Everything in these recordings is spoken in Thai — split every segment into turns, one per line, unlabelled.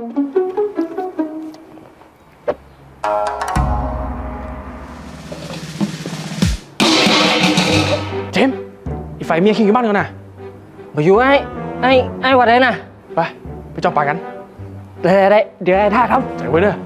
เจมส์อีไฟเมียคิงอยู่บ้านกันนะ
มาอยู่ไอ้วัดได้นะ
ไปจอมป่ากัน
ได้เดี๋ยวไอ้ท่าครับ
ใจไว้เด้อ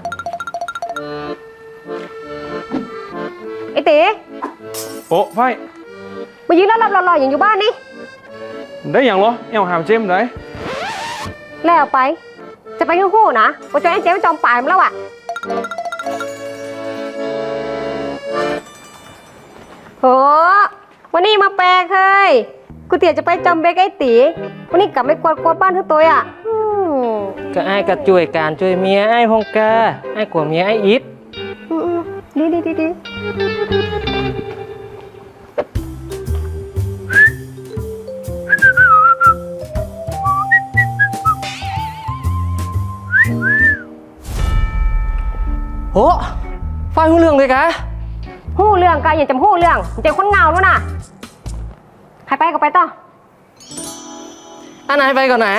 ไอ้เต๋
โอ้ไฟ
มายืนแล้วหล่อๆอย่างอยู่บ้านนี่
ได้อย่างเหรอเอวหามเจมส์ได้
แล้วไปจะไปคู่ๆนะว่าจะไอ้เจ๊ไปจอมป่ามาแล้วอ่ะโหวันนี้มาแปลเคยกูเตี๋ยจะไปจอมเบกไอ้ตีวันนี้กลับไม่กวาดบ้านทั้งตัวอ่ะ
ก็ไอ้ก็ช่วยการช่วยเมียไอ้พงกาไอ้กว่าเมียไอ้อิด
ดี
โหไฟหูเรื่องเลยกะ
หู้เรื่องกันอย่าจำหู้เรื่องเจ๊คนเงาแล้วนะใครไปก็ไปต่อ
อันไหนไปก่อนไหน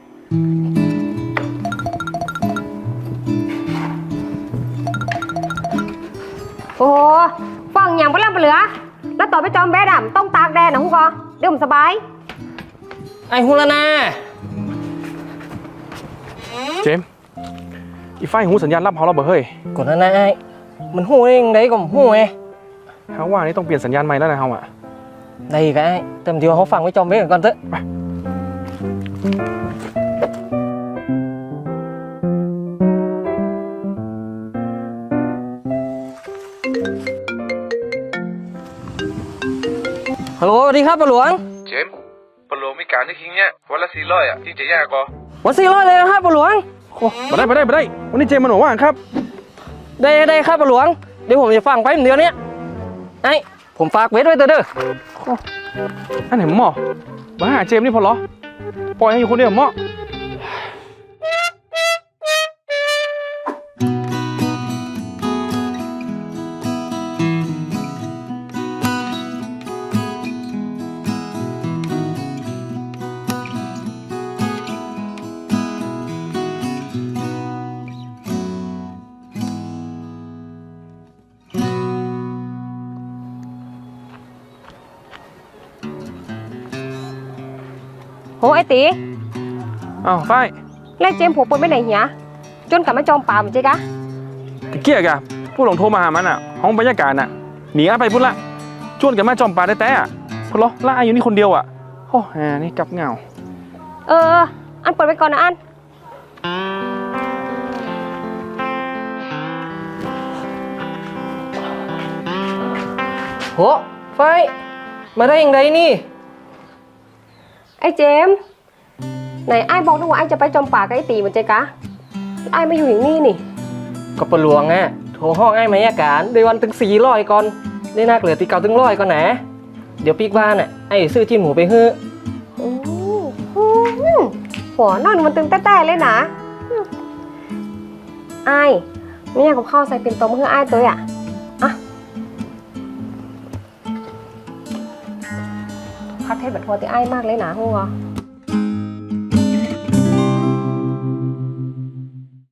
โอ้ฟังอย่างไปเรื่องไปเหลือแล้วต่อไปจอมแบดอ่ะต้องตากแดดนะฮู้ก็เดี๋ยวผมสบาย
ไอ้ฮูละนา
เจมส์อีไฟหูสัญญาณรับเขาเราบ่เฮ้ย
ก่อนนั้นไอ้มันหูเองได้ก็หูไง
เขาว่านี่ต้องเปลี่ยนสัญญาณใหม่แล้วนะเขาอ่ะ
ได้ก็ไอ้เต็มที่เขาฟังไว้จอมเบ้ก่อนเถอะฮัลโหลสวัสดีครับปะหลวง
เจมปะหลวงมีการที่คิงเนี่ยวันละ400อ่ะที่จะยากก็
วัน400เลยนะครับปะหลวง
โอ้มาได้วันนี้เจมส์มันบอกว่าครับ
ได้ครับปะหลวงเดี๋ยวผมจะฟังไปเดี๋ยวนี้ไอ้ผมฝากเวทไว้เด้อ
อันไหนหมอมาหาเจมส์นี่พอเหรอปล่อยให้อยู่คนเดียวหมอ
โหไอ้ตี
อ้าวไฟ
ไล่เจมผมปนไปไหนเหี้ยจนกลับมาจอมป่าเหมือนเจ๊กะ
เกี้ยกะผู้หลงโทรมาหามันอ่ะห้องบรรยากาศอ่ะหนีไปพุ่นละชวนกันมาจอมป่าได้แต่อ่ะพอเหรอล่าอยู่นี่คนเดียวอ่ะโอ้นี่กับเงา
อันเปิดไปก่อนนะอัน
โหไฟมาได้ยังไงนี่
ไอ้เจมไหนไอ้บอกด้วยว่าไอ้จะไปจอมป่ากับไอ้ตีเหมือนเจ๊กะไอ้มาอยู่อย่างนี้นี่
ก็ปะหลวงอ่ะโทรห้องไอ้มายาการเดือนวันถึง400ก่อนได้นักเหลือตีเก่าถึง100ก่อนนะเดี๋ยวปีกบ้านอ่ะไอ้ซื้อจิ้มหมูไปเฮ้อ
หัวนั่นมันตึงแต้ๆเลยนะไอ้ไม่อยากกับข้าวใส่เป็นต้มเพื่อไอ้ตัวอ่ะข้าวเทศแบบทัวร์ตีไอ้มากเลยนะหัว